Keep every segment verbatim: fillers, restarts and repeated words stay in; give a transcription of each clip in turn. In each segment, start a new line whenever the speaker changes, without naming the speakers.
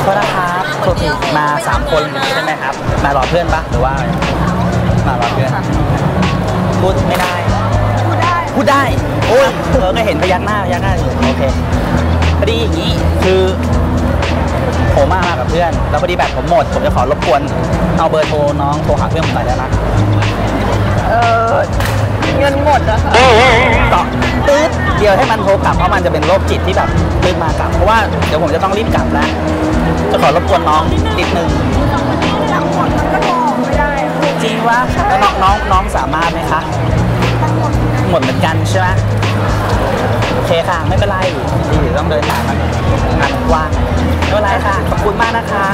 ก็นะครับโทษทีมาสามคนใช่ไหมครับมารอเพื่อนปะหรือว่ามารอเพื่อนพูดไม่ได้พูดได้พูดได้โอ้ยเออก็เห็นพยักหน้าพยักหน้าอยู่โอเคพอดีอย่างนี้คือผมมามากับเพื่อนแล้วพอดีแบตผมหมดผมจะขอรบกวนเอาเบอร์โทรน้องโทรหาเพื่อนผมหน่อยได้ไหม
เออเงินหมดอะค่ะ
ต่อตื๊ดเดียวให้มันโทรกลับเพราะมันจะเป็นโรคจิตที่แบบตื๊ดมากลับเพราะว่าเดี๋ยวผมจะต้องรีบกลับแล้วจะขอรบกวนน้องนิดนึง
ทั้งหมดมันก็โทรไม่ได้
จริงว่าแล้วน้องน้องน้องสามารถไหมคะหมดเหมือนกันใช่ไหมโอเคค่ะไม่เป็นไรที่ต้องเดินทางมางานกว้างไม่เป็นไรค่ะขอบคุณมากนะคะ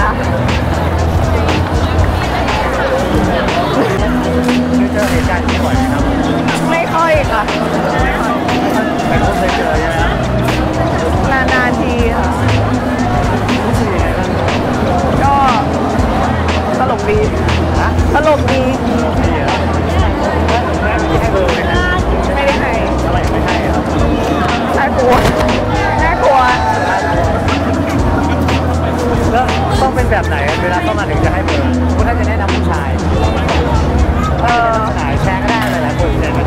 เจอเหตุการณ์นี้บ่อยไหมครับ
ไม่ค่อยค่ะ
แต่ก็เคยเจอใช่ไหมครับ
นานๆทีค่ะก็ตลกดีนะตลกดี
ให้เบอร์ไหมครับ
ไม่ได้ให้
อะไรไม่ให้ครับ
น่ากลัวน่ากลัว
แล้วต้องเป็นแบบไหนเวลาเข้ามาถึงจะให้เบอร์คุณน่าจะแนะนำผู้ชายเออหายแชร์ก็ได้หลายๆคนเลย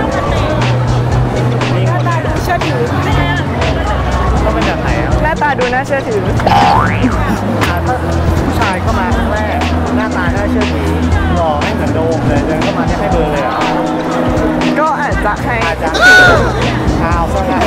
หน้าตาดูเชื่อถือ
ต้องเป็นแบบไหนครับ
หน้าตาดูน่าเชื่อถือ
ถ้าผู้ชายเข้ามาครั้งแรกหน้าตาน่าเชื่อถือหล่อไม่เหมือนโดมเลยเดินเข้ามาให้เบอร์เลยอ่ะ
ก็อาจจะให้
อาจจะข่าวซะงั้น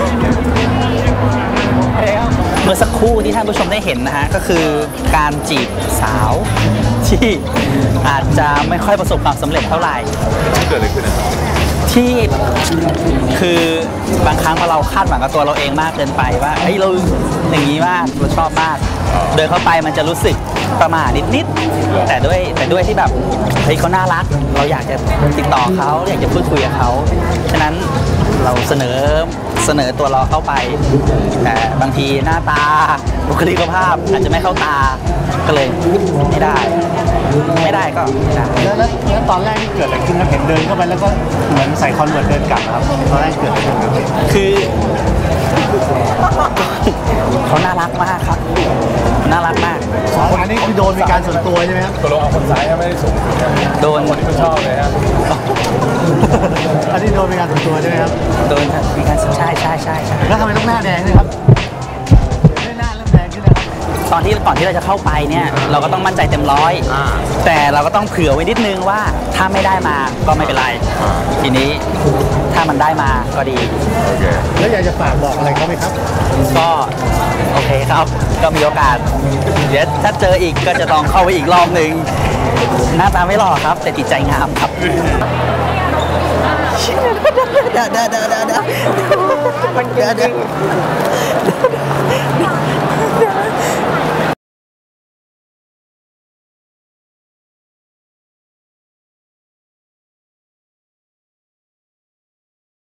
เมื่อสักครู่ที่ท่านผู้ชมได้เห็นนะฮะก็คือการจีบสาวที่อาจจะไม่ค่อยประสบความสำเร็จเท่าไหร่
เกิดอะไรขึ้นนะครับ
ที่คือบางครั้งพอเราคาดหวังกับตัวเราเองมากเกินไปว่าเฮ้ยเราอย่างนี้มากเราชอบมากเดินเข้าไปมันจะรู้สึกประหม่านิดๆแต่ด้วยแต่ด้วยที่แบบเฮ้ยเขาน่ารักเราอยากจะติดต่อเขาอยากจะพูดคุยกับเขาฉะนั้นเราเสนอเสนอตัวเราเข้าไปแต่บางทีหน้าตาบุคลิกภาพอาจจะไม่เข้าตาก็เลยไม่ได้ไม่ได้ก็ไม่ได้
แล้วแล้วตอนแรกที่เกิดอะไรขึ้นเราเห็นเดินเข้าไปแล้วก็เหมือนใส่คอนเวิร์ตเดินกลับครับตอนแรกเกิดอะไรขึ้น
คือเขาน่ารักมากครับน่ารักมาก
อันนี้คือโดนมีการส่วนตัวใช่ไหมครับ
ตัวเราเอาคนซ้ายไม่ได้สูง
โดน
คนที่ไม่ชอบเลยครับ
อันนี้โดนมีการส่วนตัวใช่ไหมครับ
โดนมีการใช่ใช่ใช่ใช่
แล้วทำไมต้องหน้าแดงด้วยครับไม่หน้าเริ่มแดงขึ้นแล้ว
ตอนที่ก่อนที่เราจะเข้าไปเนี่ยเราก็ต้องมั่นใจเต็มร้อยแต่เราก็ต้องเผื่อไว้นิดนึงว่าถ้าไม่ได้มาก็ไม่เป็นไรทีนี้ถ้ามันได้มาก็ดี
โอเค
แล้วอยากจะฝากบอกอะไรเขาไหมครับ
ก็โอเคครับก็มีโอกาสเดี๋ยวถ้าเจออีกก็จะต้องเข้าไปอีกรอบหนึ่งหน้าตาไม่หล่อครับแต่จิตใจงามครับเดี๋ยวเดี๋ยวเดี๋ยวเดี๋ยวมันเดี๋ยวเดี๋ยว